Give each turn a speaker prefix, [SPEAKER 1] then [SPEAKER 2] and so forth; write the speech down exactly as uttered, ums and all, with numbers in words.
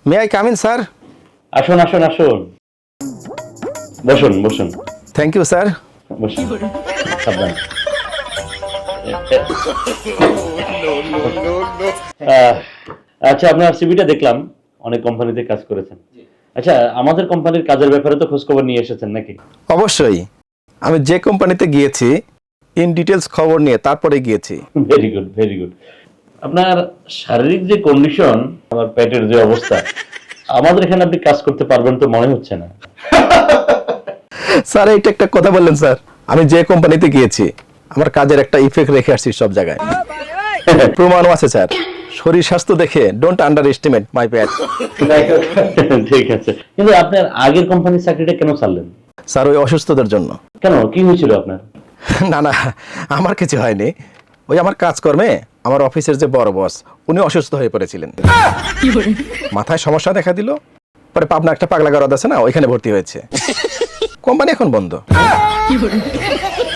[SPEAKER 1] May I come in sir?
[SPEAKER 2] আসুন আসুন আসুন, বসুন বসুন
[SPEAKER 1] থ্যাংক ইউ স্যার।
[SPEAKER 2] বসুন, সাবধান। আহ, আচ্ছা, আপনার সিভিটা দেখলাম, অনেক কোম্পানিতে কাজ করেছেন। আচ্ছা, আমাদের কোম্পানির কাজের ব্যাপারে তো খোঁজ খবর নিয়ে এসেছেন নাকি?
[SPEAKER 1] অবশ্যই, আমি যে কোম্পানিতে গিয়েছি ইন ডিটেলস খবর নিয়ে তারপরে গিয়েছি।
[SPEAKER 2] Very good very good. আপনার শারীরিক যে কন্ডিশন, আমার পেটের যে অবস্থা, আমাদের এখানে আপনি কাজ করতে পারবেন তো মনে হচ্ছে না।
[SPEAKER 1] স্যার এইটা একটা কথা বললেন স্যার, আমি যে কোম্পানিতে গিয়েছি আমার কাজের একটা ইফেক্ট রেখে আসছি সব জায়গায়। প্রমাণও আছে স্যার, শরীর স্বাস্থ্য দেখে don't underestimate my pat.
[SPEAKER 2] ঠিক আছে, কিন্তু আপনার আগের কোম্পানির চাকরিটা কেন ছাড়লেন?
[SPEAKER 1] স্যার ওই অসুস্থতার জন্য।
[SPEAKER 2] কেন, কি হয়েছিল আপনার?
[SPEAKER 1] না না, আমার কিছু হয়নি, ওই আমার কাজকর্মে আমার অফিসের যে বড় বস উনি অসুস্থ হয়ে পড়েছিলেন, মাথায় সমস্যা দেখা দিল, পরে পাবনা একটা পাগলা গরদ আছে না, ওইখানে ভর্তি হয়েছে, কোম্পানি এখন বন্ধ।